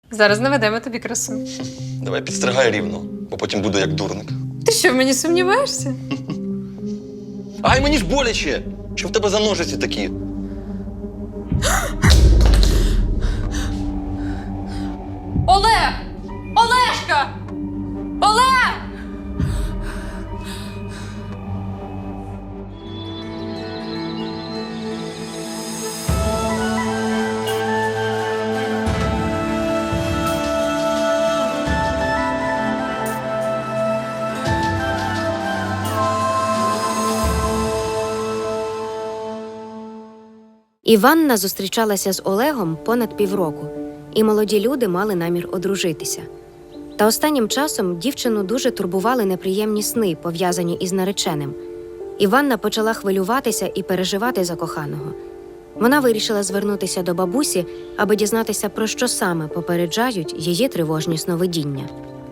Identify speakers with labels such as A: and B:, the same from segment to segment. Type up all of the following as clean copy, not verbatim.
A: Зараз наведемо тобі красу.
B: Давай підстригай рівно, бо потім буду як дурник.
A: Ти що, в мені сумніваєшся?
B: Ай, мені ж боляче! Що в тебе за ножиці такі?
A: Олег! Олешка! Олег!
C: Іванна зустрічалася з Олегом понад півроку, і молоді люди мали намір одружитися. Та останнім часом дівчину дуже турбували неприємні сни, пов'язані із нареченим. Іванна почала хвилюватися і переживати за коханого. Вона вирішила звернутися до бабусі, аби дізнатися, про що саме попереджають її тривожні сновидіння.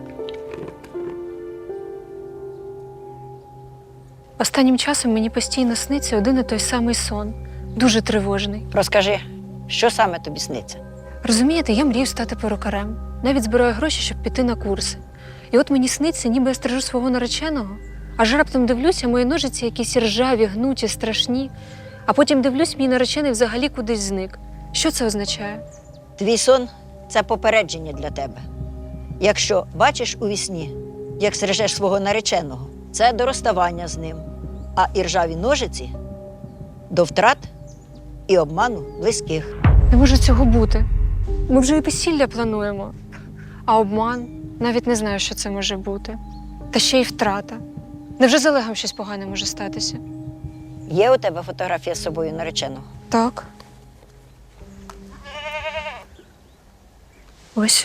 A: Останнім часом мені постійно сниться один і той самий сон. Дуже тривожний.
D: Розкажи, що саме тобі сниться?
A: Розумієте, я мрію стати перукарем. Навіть збираю гроші, щоб піти на курси. І от мені сниться, ніби я стрижу свого нареченого, аж раптом дивлюся, мої ножиці якісь ржаві, гнуті, страшні. А потім дивлюсь, мій наречений взагалі кудись зник. Що це означає?
D: Твій сон – це попередження для тебе. Якщо бачиш у вісні, як стрижеш свого нареченого, це до розставання з ним. А іржаві ножиці – до втрат і обману близьких.
A: Не може цього бути. Ми вже і весілля плануємо. А обман? Навіть не знаю, що це може бути. Та ще й втрата. Невже з Олегом щось погане може статися?
D: Є у тебе фотографія з собою нареченого?
A: Так. Ось.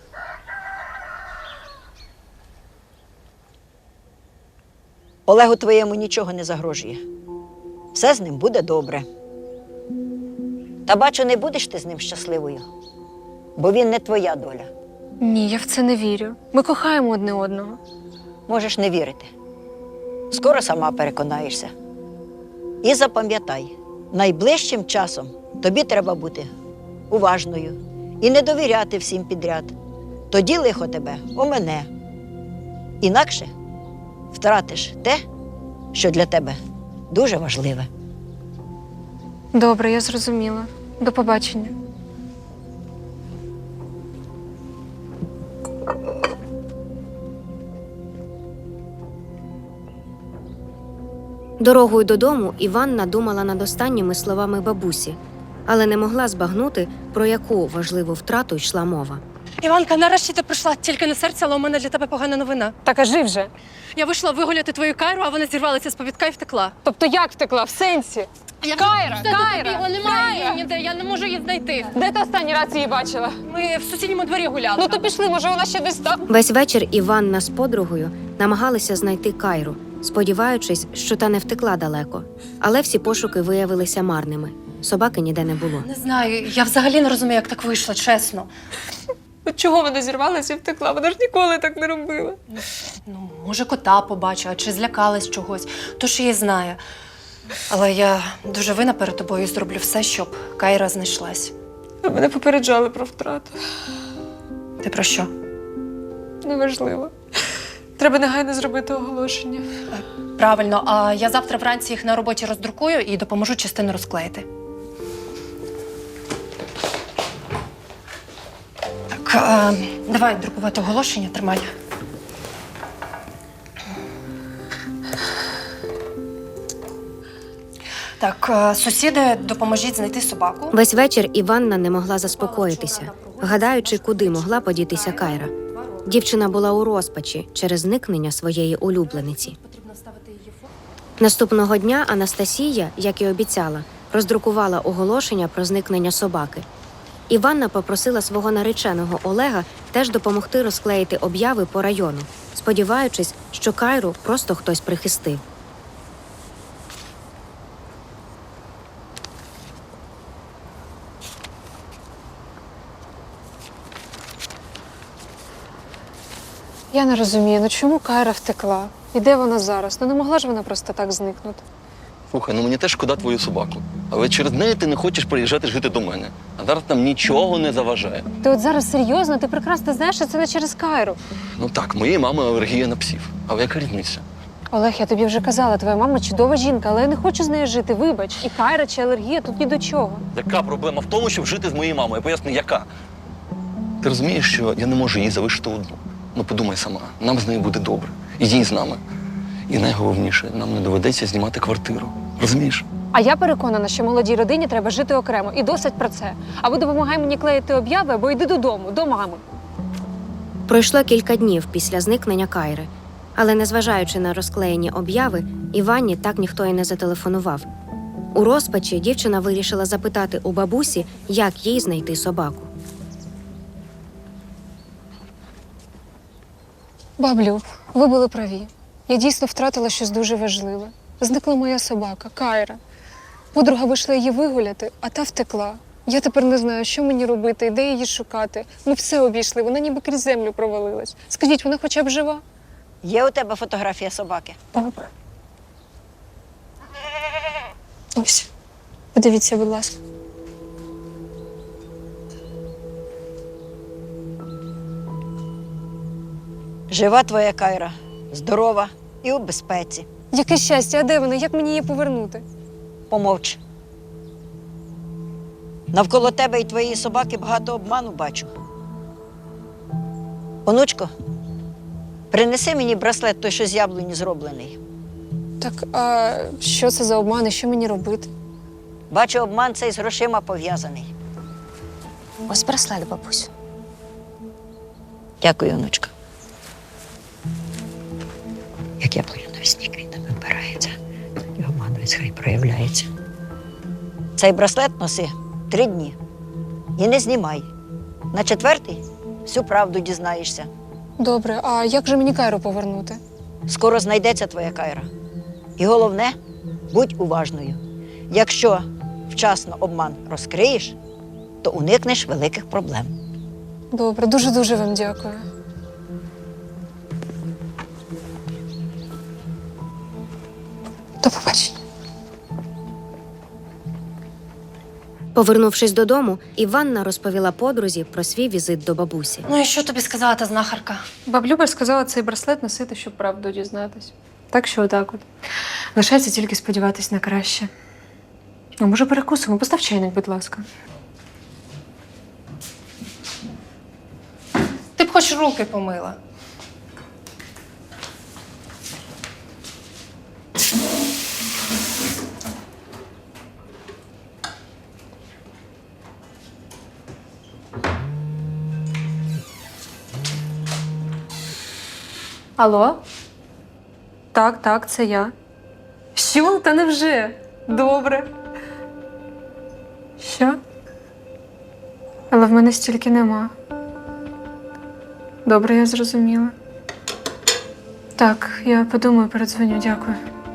D: Олегу твоєму нічого не загрожує. Все з ним буде добре. Та бачу, не будеш ти з ним щасливою, бо він не твоя доля.
A: Ні, я в це не вірю. Ми кохаємо одне одного.
D: Можеш не вірити. Скоро сама переконаєшся. І запам'ятай, найближчим часом тобі треба бути уважною і не довіряти всім підряд. Тоді лихо тебе омине. Інакше втратиш те, що для тебе дуже важливе.
A: Добре, я зрозуміла. До побачення.
C: Дорогою додому Іванна думала над останніми словами бабусі, але не могла збагнути, про яку важливу втрату йшла мова.
E: Іванка, нарешті ти прийшла. Тільки не серце, але у мене для тебе погана новина.
A: Та кажи вже.
E: Я вийшла вигуляти твою Кайру, а вона зірвалася з повідка і втекла.
A: Тобто як втекла? В сенсі?
E: Кайра!
A: Кайра!
E: Добігла, немає її ніде, я не можу її знайти.
A: Де ти останній раз її бачила?
E: Ми в сусідньому дворі гуляли.
A: Ну то пішли, може вона ще десь там.
C: Весь вечір Іванна з подругою намагалися знайти Кайру, сподіваючись, що та не втекла далеко. Але всі пошуки виявилися марними. Собаки ніде не було.
E: Не знаю, я взагалі не розумію, як так вийшло, чесно.
A: От чого вона зірвалася і втекла? Вона ж ніколи так не робила.
E: Ну, може, кота побачила, чи злякалась чогось, то ж її знає. Але я дуже винна перед тобою і зроблю все, щоб Кайра знайшлась.
A: А мене попереджали про втрату.
E: Ти про що?
A: Неважливо. Треба негайно зробити оголошення.
E: Правильно, а я завтра вранці їх на роботі роздрукую і допоможу частину розклеїти. Так, давай друкувати оголошення, тримай. Так, сусіди, допоможіть знайти собаку.
C: Весь вечір Іванна не могла заспокоїтися, гадаючи, куди могла подітися Кайра. Дівчина була у розпачі через зникнення своєї улюблениці. Наступного дня Анастасія, як і обіцяла, роздрукувала оголошення про зникнення собаки. Іванна попросила свого нареченого Олега теж допомогти розклеїти обяви по району, сподіваючись, що Кайру просто хтось прихистив.
A: Я не розумію, ну чому Кайра втекла? І де вона зараз? Ну не могла ж вона просто так зникнути.
B: Слухай, ну мені теж шкода твою собаку. Але через неї ти не хочеш приїжджати жити до мене. А зараз нам нічого не заважає.
A: Ти от зараз серйозно, ти прекрасно знаєш, що це не через Кайру.
B: Ну так, моєї мами алергія на псів. Але яка різниця?
A: Олег, я тобі вже казала, твоя мама чудова жінка, але я не хочу з нею жити, вибач. І Кайра чи алергія тут ні до чого.
B: Яка проблема в тому, щоб жити з моєю мамою? Я поясню, яка? Ти розумієш, що я не можу її залишити одну. Ну подумай сама, нам з нею буде добре. І їй з нами. І найголовніше, нам не доведеться знімати квартиру. Розумієш?
A: А я переконана, що молодій родині треба жити окремо. І досить про це. Або допомагай мені клеїти об'яви, або йди додому, до мами.
C: Пройшло кілька днів після зникнення Кайри, але незважаючи на розклеєні обяви, Іванні так ніхто і не зателефонував. У розпачі дівчина вирішила запитати у бабусі, як їй знайти собаку.
A: Баблю, ви були праві. Я дійсно втратила щось дуже важливе. Зникла моя собака, Кайра. Подруга вийшла її вигуляти, а та втекла. Я тепер не знаю, що мені робити і де її шукати. Ми все обійшли, вона ніби крізь землю провалилась. Скажіть, вона хоча б жива?
D: Є у тебе фотографія собаки?
A: Добре. Ось. Подивіться, будь ласка.
D: Жива твоя Кайра, здорова і у безпеці.
A: Яке щастя, а де вона? Як мені її повернути?
D: Помовч. Навколо тебе і твоєї собаки багато обману бачу. Онучко, принеси мені браслет, той, що з яблуні зроблений.
A: Так, а що це за обман і що мені робити?
D: Бачу, обман цей з грошима пов'язаний.
A: Ось браслет, бабусь.
D: Дякую, онучка. Як яблуня навесні квітами вбирається, і обман весь хай проявляється. Цей браслет носи 3 дні. І не знімай. На 4-й всю правду дізнаєшся.
A: Добре, а як же мені Кайру повернути?
D: Скоро знайдеться твоя Кайра. І головне, будь уважною. Якщо вчасно обман розкриєш, то уникнеш великих проблем.
A: Добре, дуже-дуже вам дякую. До побачення.
C: Повернувшись додому, Іванна розповіла подрузі про свій візит до бабусі.
E: Ну і що тобі сказала та знахарка?
A: Баблюба сказала цей браслет носити, щоб правду дізнатись. Так що отак от. Лишається тільки сподіватись на краще. А може перекусимо? Постав чайник, будь ласка.
E: Ти б хоч руки помила.
A: Алло? Так, це я. Що? Та невже? Добре. Що? Але в мене стільки нема. Добре, я зрозуміла. Так, я подумаю, передзвоню, дякую.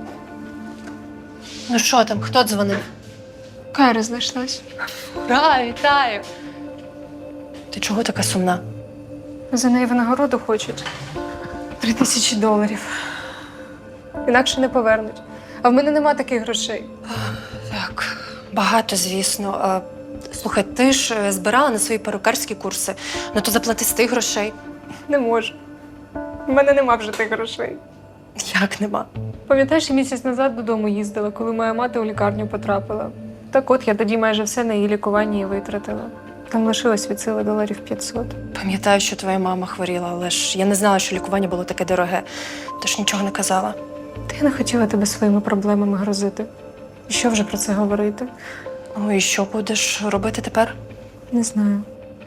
E: Ну що там, хто дзвонив?
A: Кайра знайшлась.
E: Ура, вітаю! Ти чого така сумна?
A: За неї винагороду хочуть. $3000. Інакше не повернуть. А в мене нема таких грошей.
E: Так, багато, звісно. Слухай, ти ж збирала на свої перукарські курси. Ну то заплати з тих грошей.
A: Не можу. В мене нема вже тих грошей.
E: Як нема?
A: Пам'ятаєш, я місяць назад додому їздила, коли моя мати у лікарню потрапила. Так от, я тоді майже все на її лікування і витратила. Там лишилось від сили $500.
E: Пам'ятаю, що твоя мама хворіла, але ж я не знала, що лікування було таке дороге. Тож нічого не казала.
A: Та я не хотіла тебе своїми проблемами грозити. І що вже про це говорити?
E: Ну і що будеш робити тепер?
A: Не знаю.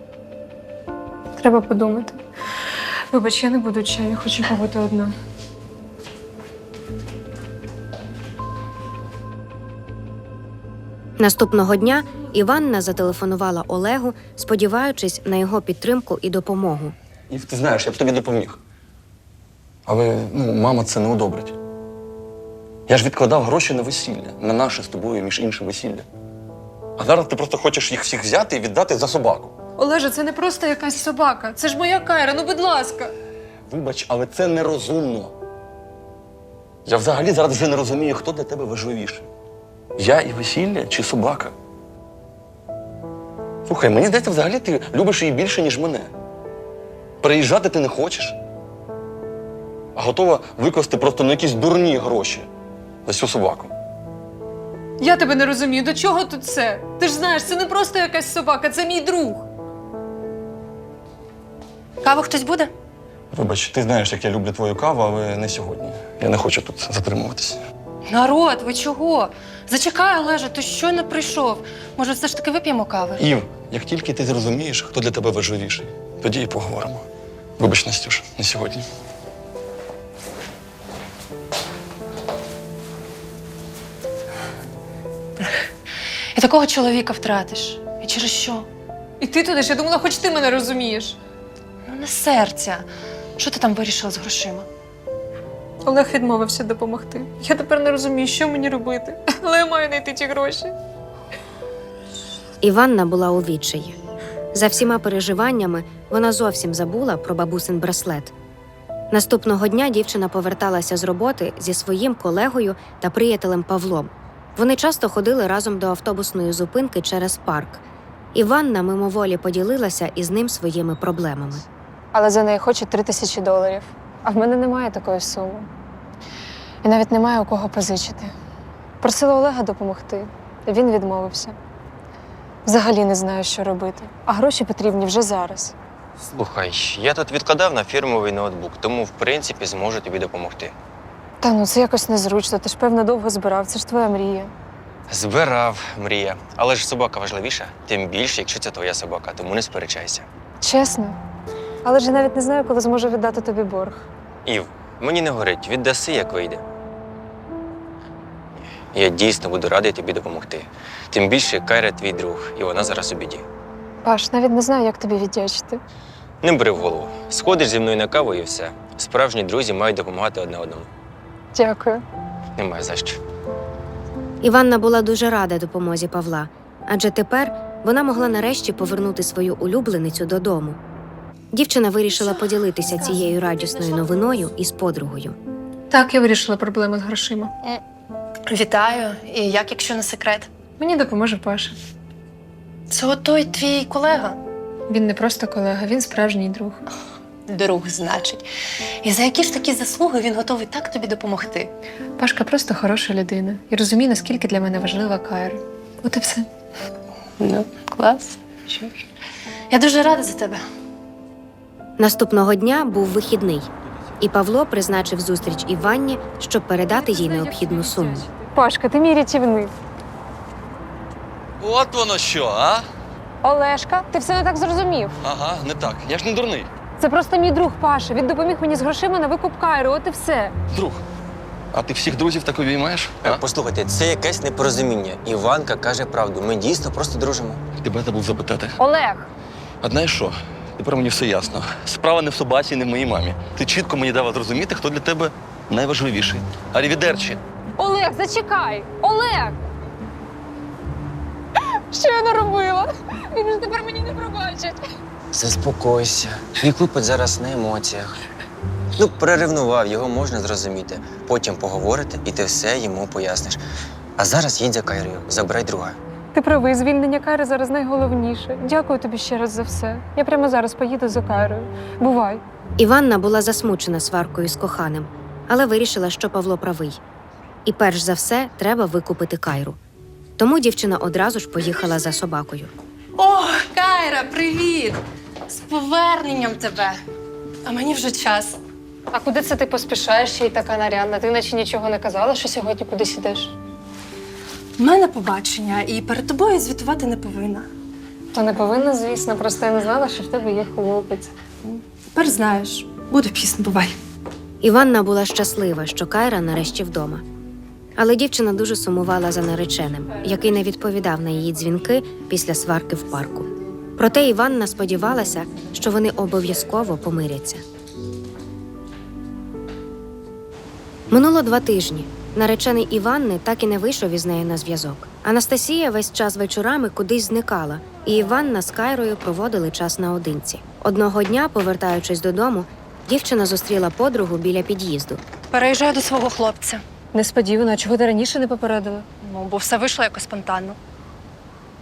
A: Треба подумати. Вибач, я не буду чаю, я хочу побути одна.
C: Наступного дня Іванна зателефонувала Олегу, сподіваючись на його підтримку і допомогу.
B: І ти знаєш, я б тобі допоміг. Але мама це не одобрить. Я ж відкладав гроші на весілля, на наше з тобою, між іншим, весілля. А зараз ти просто хочеш їх всіх взяти і віддати за собаку.
A: Олеже, це не просто якась собака. Це ж моя Кайра, ну будь ласка.
B: Вибач, але це нерозумно. Я взагалі зараз вже не розумію, хто для тебе важливіший. Я і весілля чи собака? Слухай, мені здається, взагалі ти любиш її більше, ніж мене. Переїжджати ти не хочеш, а готова викласти просто на якісь дурні гроші за цю собаку.
A: Я тебе не розумію, до чого тут це? Ти ж знаєш, це не просто якась собака, це мій друг.
E: Каву хтось буде?
B: Вибач, ти знаєш, як я люблю твою каву, але не сьогодні. Я не хочу тут затримуватись.
E: Народ, ви чого? Зачекай, Олеже, ти щойно прийшов. Може, все ж таки вип'ємо кави?
B: Ів, як тільки ти зрозумієш, хто для тебе важливіший, тоді і поговоримо. Вибач, Настюш, не сьогодні.
E: І такого чоловіка втратиш. І через що?
A: І ти туди ж, я думала, хоч ти мене розумієш.
E: Ну, не серця. Що ти там вирішила з грошима?
A: Олег відмовився допомогти. Я тепер не розумію, що мені робити. Але я маю знайти ті гроші.
C: Іванна була у відчаї. За всіма переживаннями вона зовсім забула про бабусин браслет. Наступного дня дівчина поверталася з роботи зі своїм колегою та приятелем Павлом. Вони часто ходили разом до автобусної зупинки через парк. Іванна мимоволі поділилася із ним своїми проблемами.
A: Але за неї хочуть $3000. А в мене немає такої суми. І навіть немає у кого позичити. Просила Олега допомогти. Він відмовився. Взагалі не знаю, що робити. А гроші потрібні вже зараз.
F: Слухай, я тут відкладав на фірмовий ноутбук, тому, в принципі, зможу тобі допомогти.
A: Та ну, це якось незручно. Ти ж, певно, довго збирав. Це ж твоя мрія.
F: Збирав, мрія. Але ж собака важливіша, тим більше, якщо це твоя собака, тому не сперечайся.
A: Чесно. Але ж я навіть не знаю, коли зможу віддати тобі борг.
F: Ів, мені не горить, віддаси, як вийде. Я дійсно буду радий тобі допомогти. Тим більше Кайра твій друг, і вона зараз у біді.
A: Паш, навіть не знаю, як тобі віддячити.
F: Не бери в голову. Сходиш зі мною на каву і все. Справжні друзі мають допомагати одне одному.
A: Дякую.
F: Немає за що.
C: Іванна була дуже рада допомозі Павла, адже тепер вона могла нарешті повернути свою улюбленицю додому. Дівчина вирішила поділитися цією радісною новиною із подругою.
A: Так, я вирішила проблему з грошима.
E: Вітаю. І як, якщо не секрет?
A: Мені допоможе Паша.
E: Це отой твій колега?
A: Він не просто колега, він справжній друг.
E: Друг, значить. І за які ж такі заслуги він готовий так тобі допомогти?
A: Пашка просто хороша людина і розуміє, наскільки для мене важлива Кайра. От і все.
E: Ну, клас. Що ж. Я дуже рада за тебе.
C: Наступного дня був вихідний, і Павло призначив зустріч Іванні, щоб передати їй необхідну суму.
A: Пашка, ти мій рятівник.
B: От воно що, а?
A: Олешка, ти все не так зрозумів.
B: Ага, не так. Я ж не дурний.
A: Це просто мій друг Паша. Він допоміг мені з грошима на викуп Кайри, от і все.
B: Друг. А ти всіх друзів так обіймаєш? А?
F: Послухайте, це якесь непорозуміння. Іванка каже правду. Ми дійсно просто дружимо.
B: Тебе забув запитати.
A: Олег!
B: А знаєш що? Тепер мені все ясно. Справа не в собаці, не в моїй мамі. Ти чітко мені дала зрозуміти, хто для тебе найважливіший. Арівідерчі.
A: Олег, зачекай! Олег! Що я наробила? Він ж тепер мені не пробачить.
F: Заспокойся. Твій хлопець зараз на емоціях. Ну, переревнував, його можна зрозуміти. Потім поговорите, і ти все йому поясниш. А зараз їдь за Кайрою, забирай друга.
A: Ти правий, звільнення Кайри зараз найголовніше. Дякую тобі ще раз за все. Я прямо зараз поїду за Кайрою. Бувай.
C: Іванна була засмучена сваркою з коханим, але вирішила, що Павло правий. І перш за все треба викупити Кайру. Тому дівчина одразу ж поїхала за собакою.
E: О, Кайра, привіт! З поверненням тебе! А мені вже час.
A: А куди це ти поспішаєш, ще й така нарядна? Ти наче нічого не казала, що сьогодні кудись ідеш?
E: У мене побачення, і перед тобою звітувати не повинна.
A: То не повинна, звісно, просто я не знала, що в тебе є хлопець.
E: Тепер знаєш, буде пізно, бувай.
C: Іванна була щаслива, що Кайра нарешті вдома. Але дівчина дуже сумувала за нареченим, який не відповідав на її дзвінки після сварки в парку. Проте Іванна сподівалася, що вони обов'язково помиряться. Минуло 2 тижні. Наречений Іванни так і не вийшов із нею на зв'язок. Анастасія весь час вечорами кудись зникала, і Іванна з Кайрою проводили час наодинці. Одного дня, повертаючись додому, дівчина зустріла подругу біля під'їзду.
E: Переїжджаю до свого хлопця.
A: Несподівано, а чого ти раніше не попередила?
E: Ну, бо все вийшло якось спонтанно.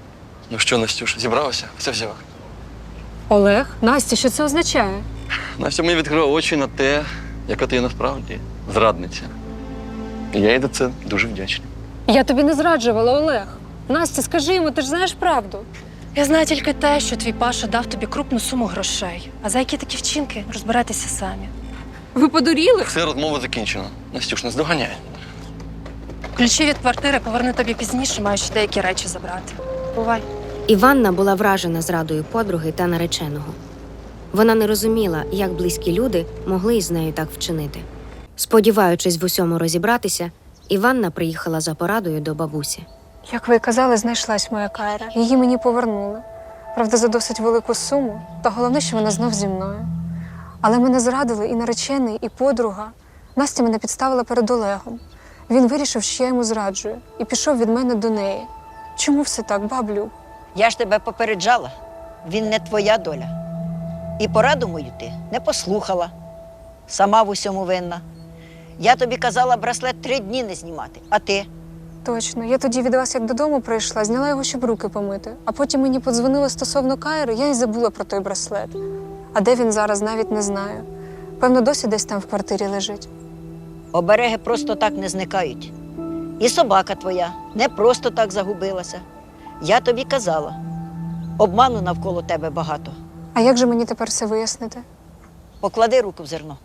B: Ну що, Настюш, зібралася? Все взяла.
A: Олег, Настя, що це означає?
B: Настя мені відкрила очі на те, яка ти є насправді зрадниця. І я їй за це дуже вдячний.
A: Я тобі не зраджувала, Олег. Настя, скажи йому, ти ж знаєш правду.
E: Я знаю тільки те, що твій Паша дав тобі крупну суму грошей. А за які такі вчинки розбирайтеся самі.
A: Ви подуріли?
B: Все, розмова закінчена. Настюш, не здоганяй.
E: Ключі від квартири поверну тобі пізніше, маю ще деякі речі забрати. Бувай.
C: Іванна була вражена зрадою подруги та нареченого. Вона не розуміла, як близькі люди могли із нею так вчинити. Сподіваючись в усьому розібратися, Іванна приїхала за порадою до бабусі.
A: Як ви й казали, знайшлась моя Кайра. Її мені повернули. Правда, за досить велику суму, та головне, що вона знов зі мною. Але мене зрадили і наречений, і подруга. Настя мене підставила перед Олегом. Він вирішив, що я йому зраджую, і пішов від мене до неї. Чому все так, баблю?
D: Я ж тебе попереджала. Він не твоя доля. І пораду мою ти не послухала. Сама в усьому винна. Я тобі казала браслет 3 дні не знімати, а ти?
A: Точно. Я тоді від вас як додому прийшла, зняла його, щоб руки помити. А потім мені подзвонили стосовно Кайри, я й забула про той браслет. А де він зараз, навіть не знаю. Певно, досі десь там в квартирі лежить.
D: Обереги просто так не зникають. І собака твоя не просто так загубилася. Я тобі казала, обману навколо тебе багато.
A: А як же мені тепер все вияснити?
D: Поклади руку в зерно.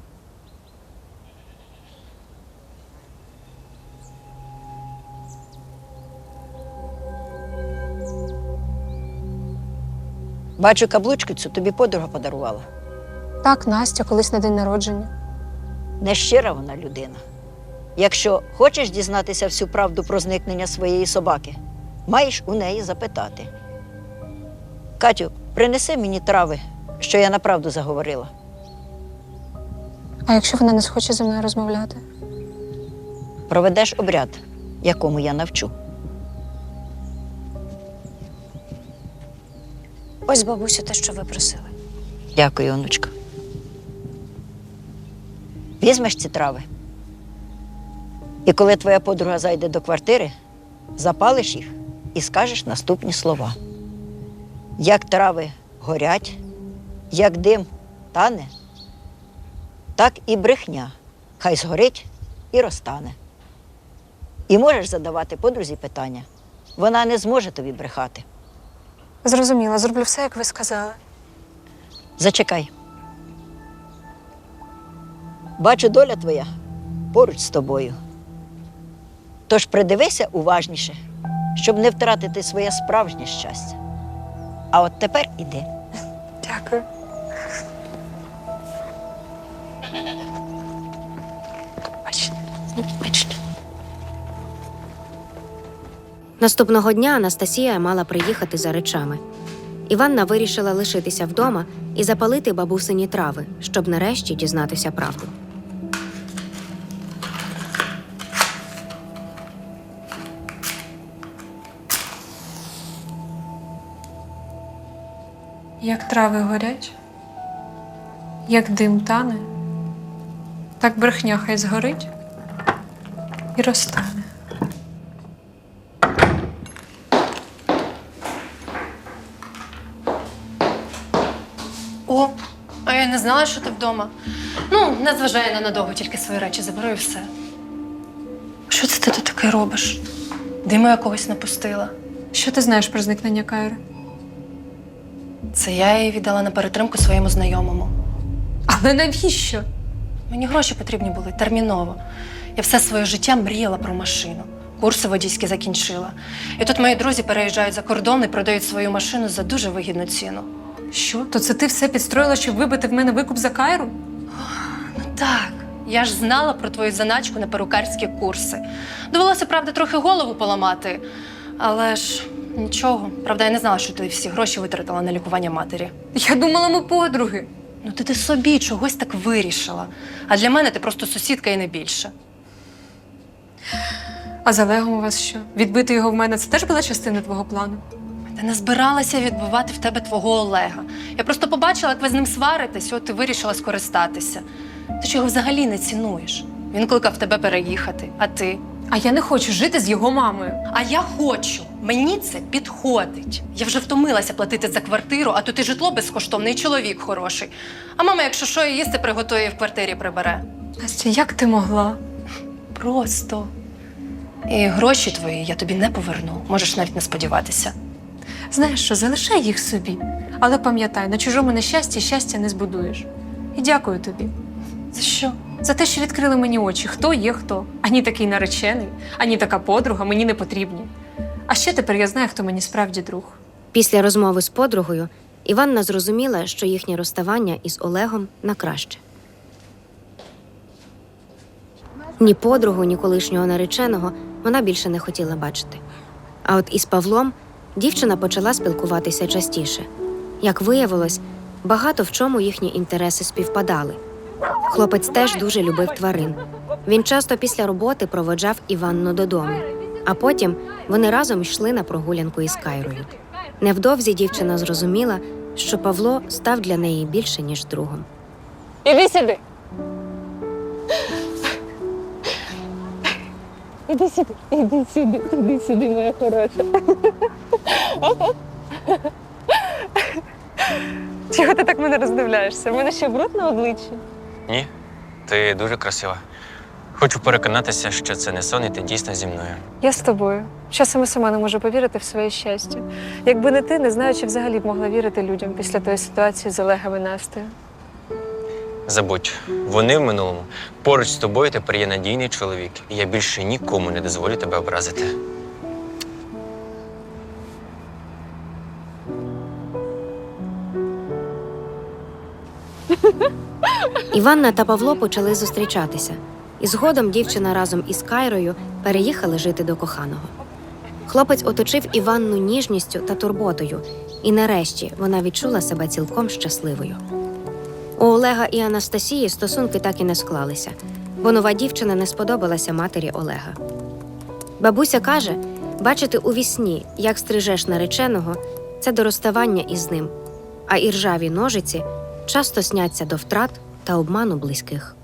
D: Бачу, каблучку цю тобі подруга подарувала.
A: Так, Настя, колись на день народження.
D: Нещира вона людина. Якщо хочеш дізнатися всю правду про зникнення своєї собаки, маєш у неї запитати. Катю, принеси мені трави, що я направду заговорила.
A: А якщо вона не схоче зі мною розмовляти?
D: Проведеш обряд, якому я навчу.
A: Ось, бабусю, те, що ви просили.
D: Дякую, онучка. Візьмеш ці трави. І коли твоя подруга зайде до квартири, запалиш їх і скажеш наступні слова. Як трави горять, як дим тане, так і брехня хай згорить і розтане. І можеш задавати подрузі питання. Вона не зможе тобі брехати.
A: Зрозуміла, зроблю все, як ви сказали.
D: Зачекай. Бачу, доля твоя поруч з тобою. Тож придивися уважніше, щоб не втратити своє справжнє щастя. А от тепер іди.
A: Дякую. Бачите.
C: Наступного дня Анастасія мала приїхати за речами. Іванна вирішила лишитися вдома і запалити бабусині трави, щоб нарешті дізнатися правду.
A: Як трави горять, як дим тане, так брехня хай згорить і розтане.
E: О, а я не знала, що ти вдома. Ну, не зважай на надовго, тільки свої речі заберу і все. Що це ти тут таке робиш? Диму якогось напустила.
A: Що ти знаєш про зникнення Кайри?
E: Це я її віддала на перетримку своєму знайомому.
A: Але навіщо?
E: Мені гроші потрібні були терміново. Я все своє життя мріяла про машину. Курси водійські закінчила. І тут мої друзі переїжджають за кордон і продають свою машину за дуже вигідну ціну.
A: Що? То це ти все підстроїла, щоб вибити в мене викуп за Кайру?
E: Ну так, я ж знала про твою заначку на перукарські курси. Довелося, правда, трохи голову поламати. Але ж нічого. Правда, я не знала, що ти всі гроші витратила на лікування матері.
A: Я думала, ми подруги.
E: Ну ти собі чогось так вирішила. А для мене ти просто сусідка і не більше.
A: А з Олегом у вас що? Відбити його в мене – це теж була частина твого плану?
E: Та не збиралася відбивати в тебе твого Олега. Я просто побачила, як ви з ним сваритесь, от ти вирішила скористатися. Ти ж його взагалі не цінуєш. Він кликав тебе переїхати, а ти?
A: А я не хочу жити з його мамою.
E: А я хочу. Мені це підходить. Я вже втомилася платити за квартиру, а тут і житло безкоштовне, і чоловік хороший. А мама, якщо що, і їсти приготує і в квартирі прибере.
A: Настя, як ти могла?
E: Просто. І гроші твої я тобі не поверну. Можеш навіть не сподіватися.
A: Знаєш що, залишай їх собі. Але пам'ятай, на чужому нещасті щастя не збудуєш. І дякую тобі.
E: За що?
A: За те, що відкрили мені очі, хто є хто. Ані такий наречений, ані така подруга мені не потрібні. А ще тепер я знаю, хто мені справді друг.
C: Після розмови з подругою Іванна зрозуміла, що їхнє розставання із Олегом на краще. Ні подругу, ні колишнього нареченого вона більше не хотіла бачити. А от із Павлом дівчина почала спілкуватися частіше. Як виявилось, багато в чому їхні інтереси співпадали. Хлопець теж дуже любив тварин. Він часто після роботи проводжав Іванну додому, а потім вони разом йшли на прогулянку із Кайрою. Невдовзі дівчина зрозуміла, що Павло став для неї більше, ніж другом.
A: Іди сюди. Іди сюди, моя хороша. Чого ти так мене роздивляєшся? У мене ще бруд на обличчі.
F: Ні, ти дуже красива. Хочу переконатися, що це не сон, і ти дійсно зі мною.
A: Я з тобою. Часом і сама не можу повірити в своє щастя. Якби не ти, не знаю, чи взагалі б могла вірити людям після тої ситуації з Олегом і Настею.
F: Забудь, вони в минулому. Поруч з тобою тепер є надійний чоловік, і я більше нікому не дозволю тебе образити.
C: Іванна та Павло почали зустрічатися. І згодом дівчина разом із Кайрою переїхали жити до коханого. Хлопець оточив Іванну ніжністю та турботою, і нарешті вона відчула себе цілком щасливою. У Олега і Анастасії стосунки так і не склалися, бо нова дівчина не сподобалася матері Олега. Бабуся каже, бачити у вісні, як стрижеш нареченого, це до розставання із ним, а іржаві ножиці часто сняться до втрат та обману близьких.